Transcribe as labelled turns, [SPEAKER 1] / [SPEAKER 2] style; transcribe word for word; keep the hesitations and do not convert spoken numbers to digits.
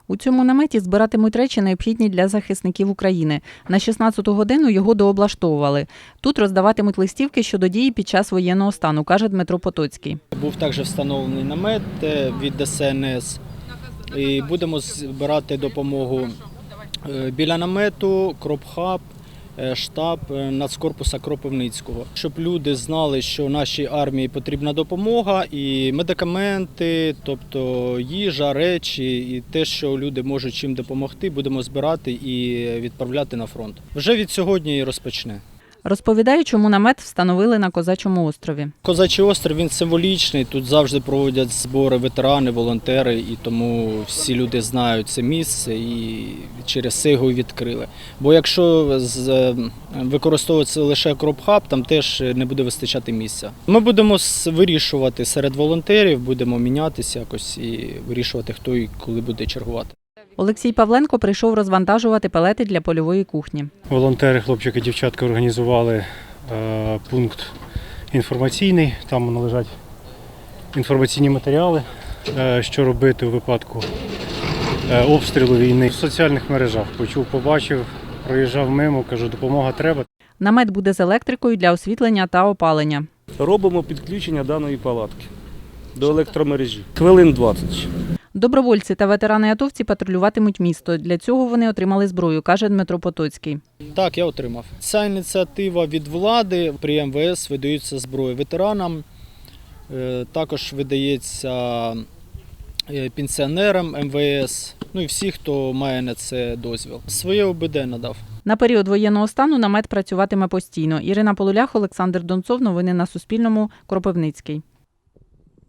[SPEAKER 1] У цьому наметі збиратимуть речі, необхідні для захисників України. На шістнадцяту годину його дооблаштовували. Тут роздаватимуть листівки щодо дії під час воєнного стану, каже Дмитро Потоцький.
[SPEAKER 2] Був також встановлений намет від Де Ес Ен Ес. І будемо збирати допомогу біля намету, Кропхаб, штаб Нацкорпуса Кропивницького. Щоб люди знали, що нашій армії потрібна допомога і медикаменти, тобто їжа, речі і те, що люди можуть чим допомогти, будемо збирати і відправляти на фронт. Вже від сьогодні і розпочне.
[SPEAKER 1] Розповідає, чому намет встановили на Козачому острові.
[SPEAKER 2] Козачий острів, він символічний, тут завжди проводять збори ветерани, волонтери, і тому всі люди знають це місце і через це його відкрили. Бо якщо використовується лише Кропхаб, там теж не буде вистачати місця. Ми будемо вирішувати серед волонтерів, будемо мінятися якось і вирішувати, хто і коли буде чергувати.
[SPEAKER 1] Олексій Павленко прийшов розвантажувати пелети для польової кухні.
[SPEAKER 3] Волонтери, хлопчики, дівчатка організували е, пункт інформаційний, там лежать інформаційні матеріали, е, що робити у випадку е, обстрілу війни. В соціальних мережах почув, побачив, проїжджав мимо, кажу, допомога треба.
[SPEAKER 1] Намет буде з електрикою для освітлення та опалення.
[SPEAKER 4] Робимо підключення даної палатки до електромережі. Хвилин двадцять.
[SPEAKER 1] Добровольці та ветерани-атовці патрулюватимуть місто. Для цього вони отримали зброю, каже Дмитро Потоцький.
[SPEAKER 2] Так, я отримав. Ця ініціатива від влади, при Ем Ве Ес видаються зброї ветеранам, також видається пенсіонерам Ем Ве Ес, ну і всі, хто має на це дозвіл. Своє О Бе Де надав.
[SPEAKER 1] На період воєнного стану намет працюватиме постійно. Ірина Полулях, Олександр Донцов. Новини на Суспільному. Кропивницький.